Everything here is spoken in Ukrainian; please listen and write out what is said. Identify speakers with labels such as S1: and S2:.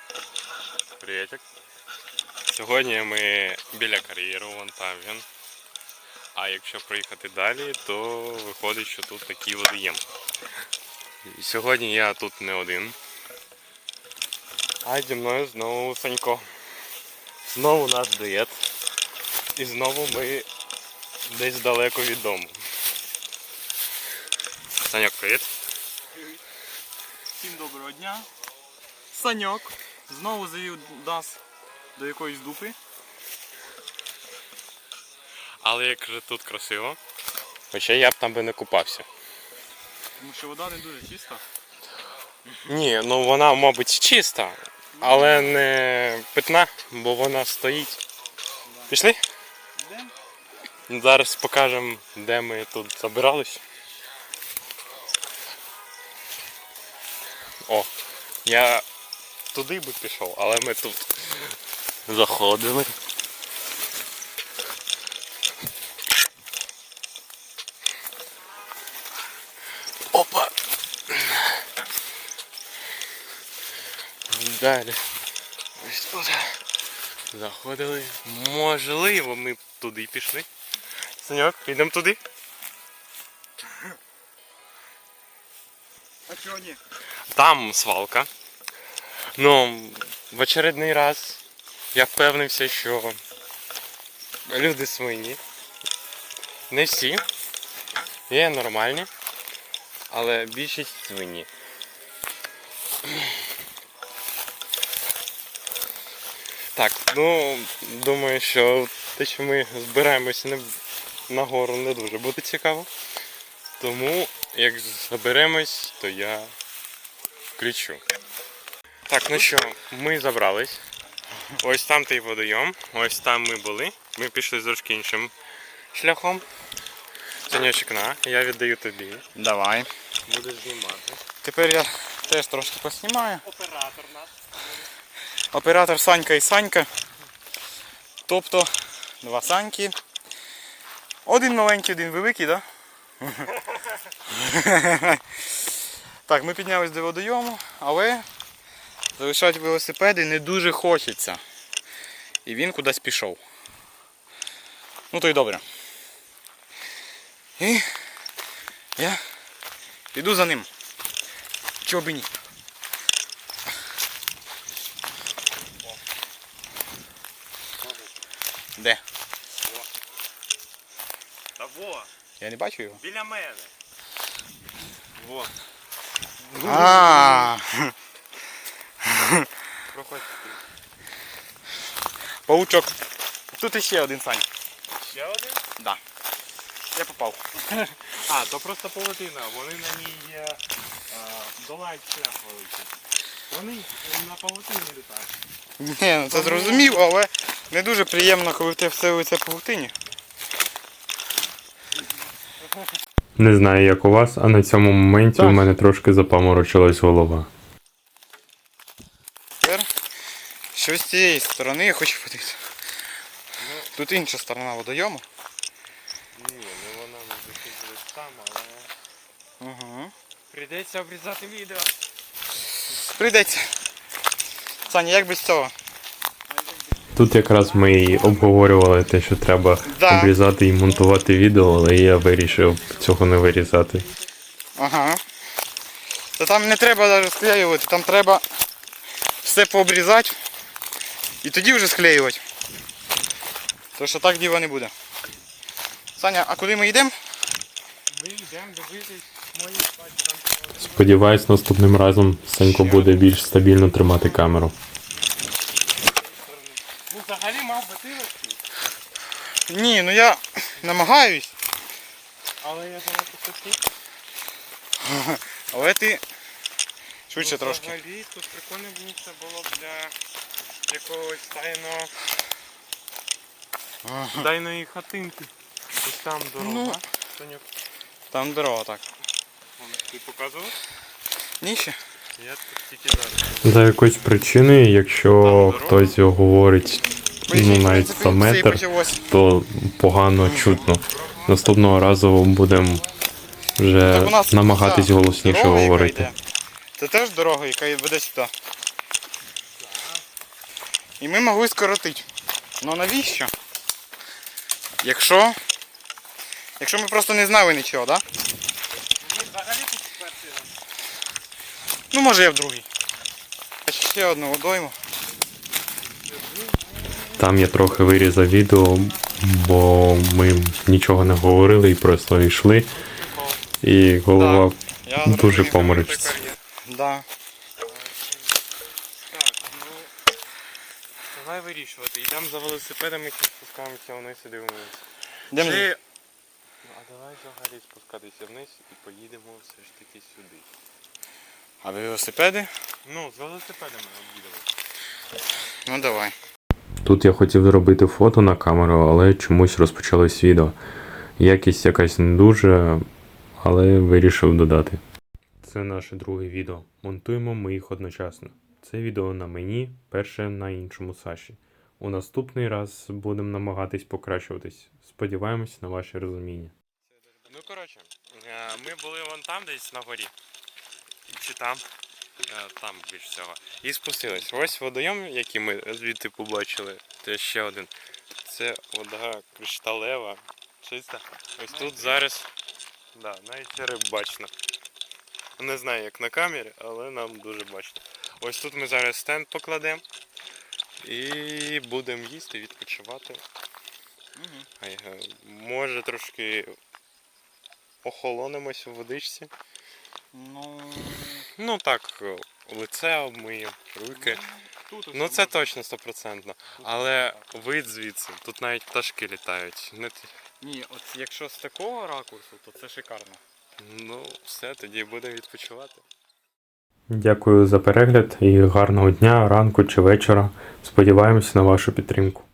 S1: Привітик. Сьогодні ми біля кар'єру, вон там він. А якщо проїхати далі, то виходить, що тут такий водоєм. І сьогодні я тут не один. А зі мною знову Санько. Знову наш дует. І знову ми десь далеко від дому. Саньок, привіт.
S2: Всім доброго дня. Саньок знову завів нас до якоїсь дупи.
S1: Але як же тут красиво. Хоча я б там би не купався.
S2: Тому що вода не дуже чиста.
S1: Ні, ну вона, мабуть, чиста, але не питна, бо вона стоїть. Пішли?
S2: Йдемо.
S1: Зараз покажемо, де ми тут забирались. О, я туди би пішов, але ми тут заходили. Опа! Далі. Ось тут. Заходили. Можливо, ми б туди пішли. Саньок, підемо туди.
S2: А чого ні?
S1: Там свалка. Ну, в очередний раз я впевнився, що люди свині. Не всі. Є нормальні, але більшість свині. Так, ну, думаю, що те, що ми збираємося на гору, не дуже буде цікаво. Тому, як заберемось, то я включу. Так, ну що, ми забрались. Ось там той водойом, ось там ми були. Ми пішли трошки іншим шляхом. Санечок, на, я віддаю тобі.
S2: Давай.
S1: Будеш знімати.
S2: Тепер я теж трошки поснімаю.
S1: Оператор наш.
S2: Оператор Санька і Санька. Тобто два Саньки. Один маленький, один великий, так? Да? Так, ми піднялись до водойому, але залишати велосипеди не дуже хочеться. І він кудись пішов. Ну то й добре. І я піду за ним. Чого б і ні. Де?
S1: Та во,
S2: Я не бачу його.
S1: біля мене. Во.
S2: А,
S1: Проходь.
S2: паучок. Тут іще один, Сань.
S1: Ще один?
S2: Да. Я попав.
S1: А, то просто павутина, вони на ній долають шлях великий. Вони на павутині літають.
S2: Ні, ну це зрозумів, але не дуже приємно, коли в тебе все лице павутині.
S1: Не знаю, як у вас, а на цьому моменті у мене трошки запаморочилась голова.
S2: Тепер щось з цієї сторони я хочу подивитися. Тут інша сторона водойому.
S1: Ні, ну вона не закінчилась там, але
S2: Угу.
S1: прийдеться обрізати відео.
S2: Прийдеться. Саня, як без цього?
S1: Тут якраз ми і обговорювали те, що треба обрізати і монтувати відео, але я вирішив цього не вирізати.
S2: Ага. Та там не треба навіть склеювати, там треба все пообрізати і тоді вже склеювати. Тому що так діла не буде. Саня, а куди ми йдемо?
S1: Ми йдемо дивитись мої там. Сподіваюсь, наступним разом Санько буде більш стабільно тримати камеру.
S2: Ну взагалі мав би ти легкий. Ні, ну я намагаюсь.
S1: Але я занадто такий.
S2: Але ти швидше трошки.
S1: Взагалі тут прикольне місце було б для якогось тайної хатинки. Ось там дорога.
S2: Ну,
S1: Саньок,
S2: там дорога так.
S1: ти показував?
S2: Ні ще?
S1: Я тут тільки зараз. За якоюсь причиною, якщо хтось його говорить навіть за метр, то погано чутно. Наступного разу будемо вже намагатись голосніше говорити.
S2: Це теж дорога, яка веде сюди. І ми могли скоротити. Ну навіщо? Якщо ми просто не знали нічого, так? Да?
S1: Ні, взагалі тут перший раз.
S2: Ну може я в другий. Ще одну водойму.
S3: Там я трохи вирізав відео, бо ми нічого не говорили і просто йшли. І голова
S2: Я
S3: дуже
S2: зрозумів.
S3: поморочиться.
S2: Да.
S1: Так, ну давай вирішувати. Йдемо за велосипедами, які спускаємося вниз і дивимося.
S2: Йдемо.
S1: Чи... А давай взагалі спускатися вниз і поїдемо все ж таки сюди.
S2: А велосипеди?
S1: Ну, з велосипедами об'їдемо.
S2: Ну давай.
S3: Тут я хотів зробити фото на камеру, але чомусь розпочалось відео. Якість якась не дуже, але вирішив додати. Це наше друге відео. Монтуємо ми їх одночасно. Це відео на мені, перше на іншому Саші. У наступний раз будемо намагатись покращуватись. Сподіваємось на ваше розуміння.
S1: Ну, коротше, ми були вон там десь на горі. Чи там? Там більш всього. І спустились. Ось водойом, який ми звідти побачили. Це ще один. Це вода кришталева, чиста. Ось тут зараз, да, навіть риб бачно. Не знаю, як на камері, але нам дуже бачно. Ось тут ми зараз стенд покладемо. І будемо їсти, відпочивати. Може трошки охолонимось у водичці. Ну так, лице обмиємо, руки. Ну це точно 100%. Але вид звідси, тут навіть пташки літають.
S2: Ні, от якщо з такого ракурсу, то це шикарно.
S1: Ну, все, тоді будемо відпочивати.
S3: Дякую за перегляд і гарного дня, ранку чи вечора. Сподіваємось на вашу підтримку.